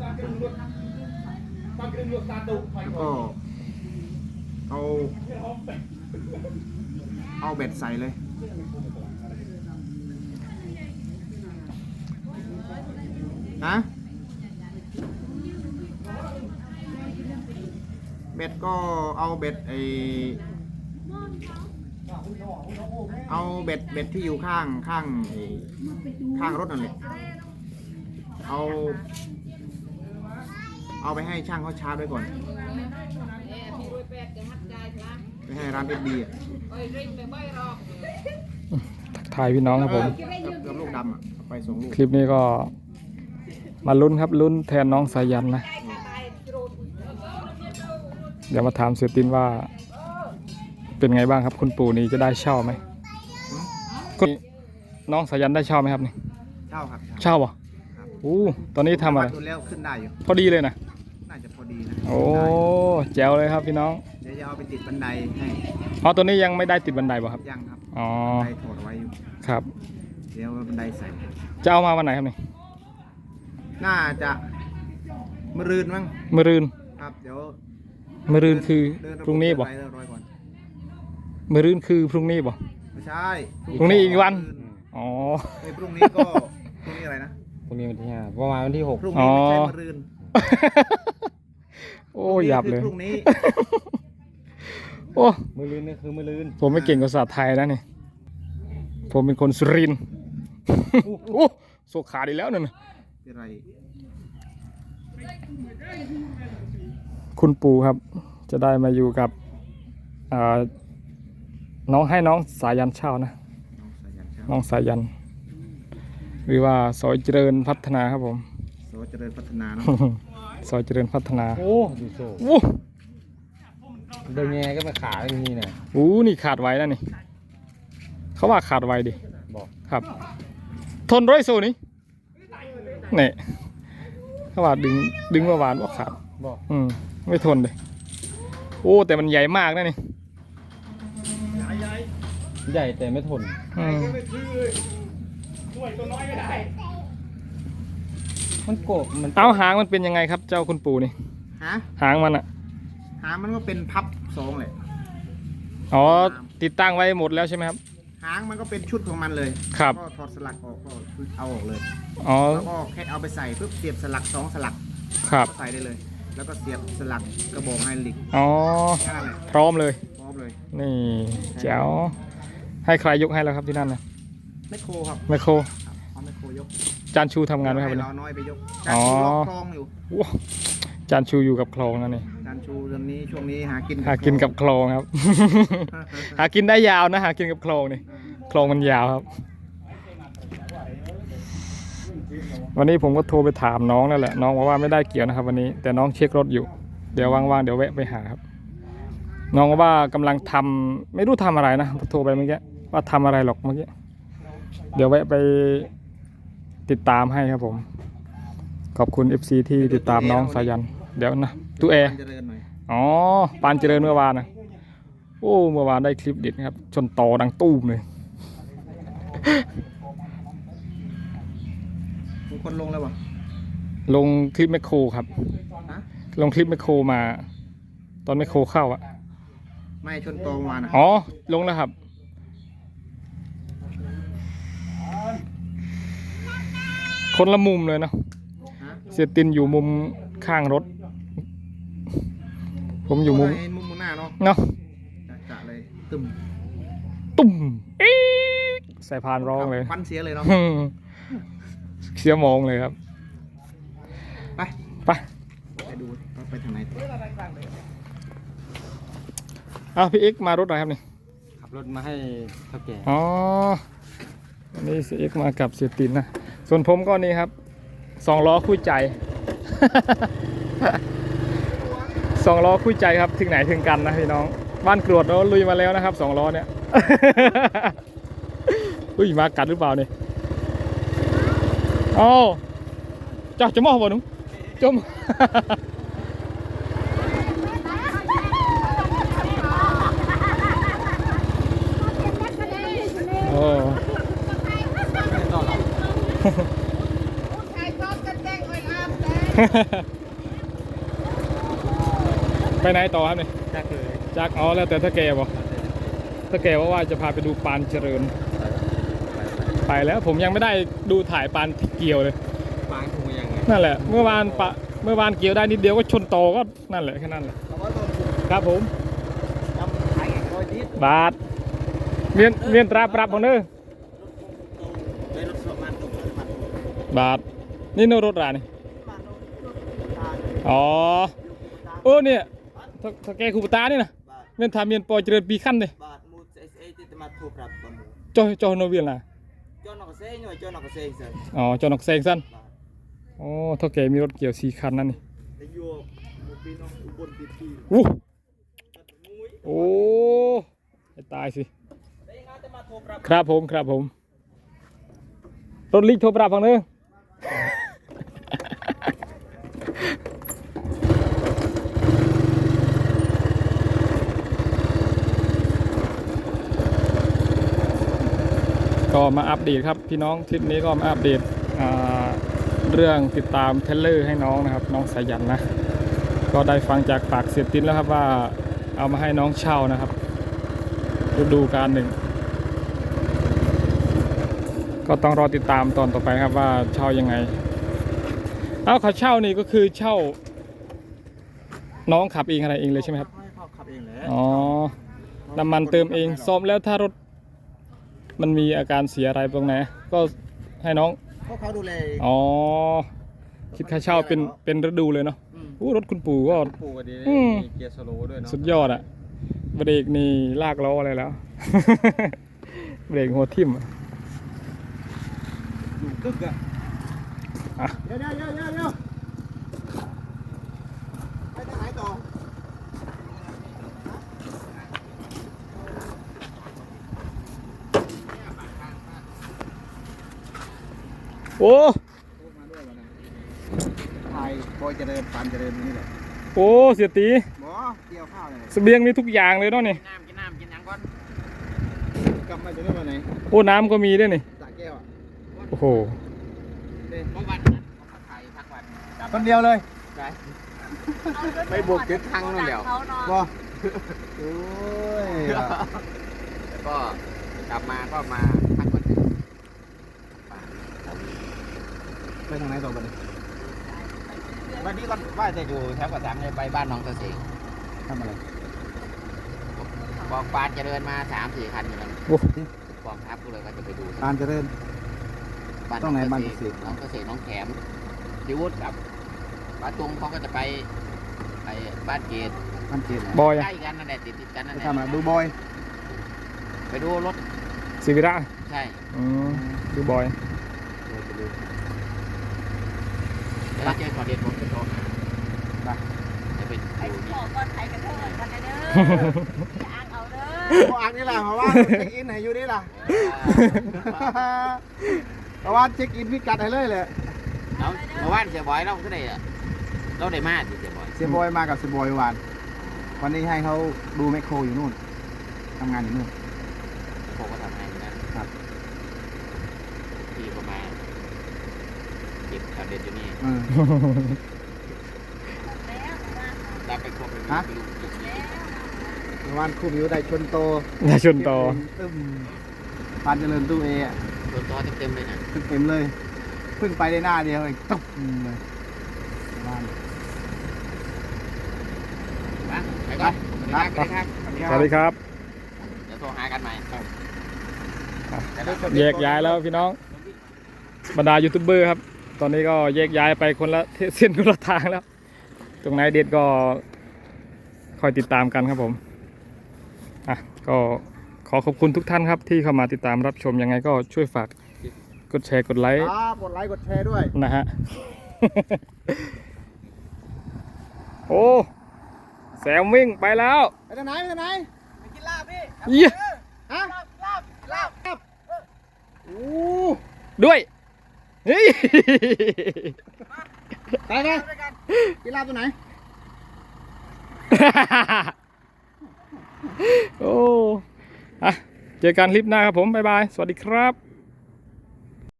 ก็เอาเบ็ดใส่เลยนะเบ็ดก็เอาเบ็ดเอาเบ็ดที่อยู่ข้างรถนั่นแหละเอาไปให้ช่างเขาชาร์จไว้ก่อนไปให้ร้านFDอ่ะถ่ายพี่น้องครับผมกับลูกดำอ่ะไปส่งลูกคลิปนี้ก็มาลุ้นครับลุ้นแทนน้องสายันนะเดี๋ยวมาถามเสียตินว่าเป็นไงบ้างครับคุณปู่นี่จะได้เช่าไหมน้องสายันได้เช่าไหมครับนี่เช่าครับเช่าป่ะตอนนี้ทำอะไรแล้วขึ้นได้อยู่พอดีเลยนะน่าจะพอดีนะโอ้แจ๋วเลยครับพี่น้องเดี๋ยวจะเอาไปติดบันไดให้ตัวนี้ยังไม่ได้ติดบันไดป่ะครับยังครับอ๋อบันไดถอดไว้อยู่ครับเดี๋ยวบันไดใส่จะเอามาวันไหนครับนี่น่าจะมะรืนมั้งมะรืนครับเดี๋ยวมะรืนคือพรุ่งนี้ป่ะมะรืนคือพรุ่งนี้ป่ะไม่ใช่พรุ่งนี้อีกวันอ๋อพรุ่งนี้ก็พรุ่งนี้อะไรนะพรุ่งนี้วันที่5ประมาณวันที่6 พรุ่งนี้ไม่ใช่มะรืนโอ้หยับเลยพรุ่งนี้โอ้มะรืนนี่คือมะรืนผมไม่เก่งภาษาไทยนะนี่ผมเป็นคนสุรินทร์โอ้โซขาดีแล้วนั่นอะไรคุณปู่ครับจะได้มาอยู่กับน้องให้น้องสายันเช่านะน้องสายันหรือว่าซอยเจริญพัฒนาครับผมซอยเจริญพัฒนาเนาะซอยเจริญพัฒนาโอ้ดูโซ่เดินยังไงก็มาขาอย่างนี้นะนี่ขาดไว้แล้วนี่เขาว่าขาดไว้ดิบอกครับทนร้อยโซ่นี่เนี่ยเขาว่าดึงเมื่อวานว่าขาดบอกไม่ทนเลยแต่มันใหญ่มากนะนี่ใหญ่แต่ไม่ทนมันโกบมันเอาหางมันเป็นยังไงครับเจ้าคุณปู่นี่หางมันอะหางมันก็เป็นพับ2เลยติดตั้งไว้หมดแล้วใช่ไหมครับหางมันก็เป็นชุดของมันเลยครับก็ถอดสลักออกก็เอาออกเลยแล้วก็แค่เอาไปใส่ปุ๊บเสียบสลัก2สลักครับใส่ได้เลยแล้วก็เสียบสลักกระบอกไฮดรอลิกพร้อมเลยนี่แจ๋วให้ใครยกให้แล้วครับที่นั่นนะแมคโครครับแมคโครเอาแมคโครยกจานชูทำงานไหมครับวันนี้เราน้อยไปยกจานชูล็อกคลองอยู่จานชูอยู่กับคลองนั่นนี่จานชูเรื่องนี้ช่วงนี้หากินกับคลองครับ หากินได้ยาวนะหากินกับคลองนี่คลองมันยาวครับวันนี้ผมก็โทรไปถามน้องนั่นแหละน้องบอกว่าไม่ได้เกี่ยวนะครับวันนี้แต่น้องเช็ครถอยู่เดี๋ยวว่างๆเดี๋ยวแวะไปหาครับน้องว่ากำลังทำไม่รู้ทำอะไรนะโทรไปเมื่อกี้ว่าทำอะไรหรอกเมื่อกี้เดี๋ยวแวะไปติดตามให้ครับผมขอบคุณ FC ที่ติดตามน้องสายันเดี๋ยวนะตู้แอร์ปานเจริญเมื่อวานนะเมื่อวานได้คลิปเด็ดครับชนต่อดังตู้มเลยคนลงแล้ววะลงคลิปแมคโครครับลงคลิปแมคโครมาตอนแมคโครเข้าอะไม่ชนตรงมานะลงแล้วครับคนละมุมเลยเนาะเสียตินอยู่มุมข้างรถผมอยู่มุมหน้าเนาะจะเลยตุ่มใส่พานร้องเลยฟันเสียเลยเนาะเสียมองเลยครับไปดูไปทางไหนพี่เอ็กมารถอะไรครับนี่ขับรถมาให้เท่าแก่วันนี้เสียเอ็กมากับเสียตินนะส่วนผมก็นี่ครับ2 ล้อคู่ใจ2 ล้อคู่ใจครับถึงไหนถึงกันนะพี่น้องบ้านกรวดเราลุยมาแล้วนะครับ2 ล้อเนี่ยมากัดหรือเปล่าเนี่ยจะมองบ่หนุ่มจมไปไหนต่อครับเนี่ยก็คือจากอ๋อแล้วแต่ถ้าแกบอกถ้าแกว่าจะพาไปดูปานเจริญ ไปแล้วผมยังไม่ได้ดูถ่ายปานที่เกี่ยวเลยปางคงยังไงนั่นแหละเมื่อวานเกี่ยวได้นิดเดียวก็ชนโตก็นั่นแหละแค่นั้นแหละครับผมจำขายแข่งร้อยดิสบาทเมียนตราปรับของเด้อในรถประมาณตกประมาณบาทนี่โนรถรานี่ประมาณตาอ๋อโอ้เนี่ยถ้าแกคูปตานี่นะบาทเมียนทาเมียนปอยเจริญปีขั้นเลยบาทมูเอสเอที่จะมาถูกปรับประมูลจอโนเวียนล่ะจอนอกเซ่หน่อยจอนอกเซ่เสร็จอ๋อจอนอกแซงสั้นบาทโอ้ถ้าแกมีรถเกี่ยว4 คันนั่นนี่แต่อยู่มูปีน้องอุบลปีปีอู้มุ้ยโอ้ให้ตายสิได้งานจะมาถูกปรับครับผมรถลิกโทรปรับฟังเด้อก็มาอัปเดตครับพี่น้องทริปนี้ก็มาอัปเดตเรื่องติดตามเทรลเลอร์ให้น้องนะครับน้องสายันนะก็ได้ฟังจากปากเสียตินแล้วครับว่าเอามาให้น้องเช่านะครับฤดูกาลหนึ่งก็ต้องรอติดตามตอนต่อไปครับว่าเช่ายังไงเอาเขาเช่านี่ก็คือเช่าน้องขับเองอะไรเองเลยใช่ไหมครับให้เขาขับเองแหละอ๋อน้ำมันเติมเองซ่อมแล้วถ้ารถมันมีอาการเสียอะไรตรงไหนก็ให้น้องเพราะเขาดูแลอ๋อคิดค่าเช่าเป็นฤดูเลยเนาะอู้รถคุณปู่ก็ปูก็ดีอืมมีเกียร์สโลว์ด้วยเนาะสุดยอดอะเบรกนี่ลากล้ออะไรแล้ว เบรกหัวทิ่มอะอยู่กึกอ่ะเดี๋ยวไปทางไหนต่อโอ้มาด้วยวันนั้นถ่ายบอยเจริญปานเจริญนี่แหละโอ้เสียตีบ่เกี่ยวข้าวเลยเสบียงมีทุกอย่างเลยเนาะนี่กินน้ำกินยังก่อนกลับมาจะได้วันไหนโอ้น้ำก็มีด้วยนี่สระแก้วอ่ะโอ้โหเมื่อวันนั้นเขาถ่ายทักวันคนเดียวเลยไปบุกยึดครั้งนั่นเดียวบ่โอ้ยก็กลับมาก็มาพักวันไปทางไหนต่อวันนี้วันนี้ก็ว่าจะอยู่แถวกระสังเลยไปบ้านน้องเกษตรทำอะไรบอกปานจะเดินมา3-4 คันอยู่แล้วโอ้กองทัพก็เลยว่าจะไปดูปานเจริญ ตรงไหนบ้านเกษตรน้องเกษตรน้องแขมพิวุฒิกับป้าตุงเขาก็จะไปบ้านเกตมันเกณฑ์บอยอะใกล้กันนั่นแหละติดกันนั่นไปแหละทำอะไรดูบอยไปดูรถสิวิระใช่ดูบอยเดี๋ยวเราเจอก่อนเด็ดผมจะโทรหาจะเป็นไอ้ดูบอกก่อนไทยกันเถอะกันเด้ออย่าอ้างเอาเด้อพวกอันนี่แหละเพราะว่าเช็คอินให้อยู่นี่ล่ะเพราะว่าเช็คอินพิกัดให้เลยเลยเอาเมื่อวานเสียบอยเราก็ได้อะเราได้มาดิเสียบอยเสียบอยมากับเสียบอยวันนี้ให้เขาดูแมคโครอยู่นู่นทำงานอยู่นู่นผมก็ทำงานอยู่นะครับ ที่ประมาณเก็บข่าวเด็ดอยู่นี่เออแล้วนะรับไปครบเลยฮะไปดูจุดนี้เมื่อวานคุมอยู่ได้ชนโตอย่าชนต่อตึ้มปานเจริญตู้เออะส่วนตัวเต็มๆเลยนะเต็มเลยเพิ่งไปได้หน้าเดียวเองตุ๊บเลยบ้านไปก่อนสวัสดีครับสวัสดีครับเดี๋ยวโทรหากันใหม่แยกย้ายแล้วพี่น้องบรรดายูทูบเบอร์ครับ ตอนนี้ก็แยกย้ายไปคนละเส้นคนละทางแล้ว ตรงไหนเด็ดก็คอยติดตามกันครับผมอ่ะก็ขอขอบคุณทุกท่านครับที่เข้ามาติดตามรับชมยังไงก็ช่วยฝากกดแชร์กดไลค์กดไลค์กดแชร์ด้วยนะฮะ โอ้แซมวิ่งไปแล้วไปทางไหนไปกินลาบพี่เยี่ยฮะลาบโอ้ด้วยเฮ้ยไปกินลาบตัวไหนโอ้อะเจอกันคลิปหน้าครับผม บ๊ายบาย สวัสดีครับ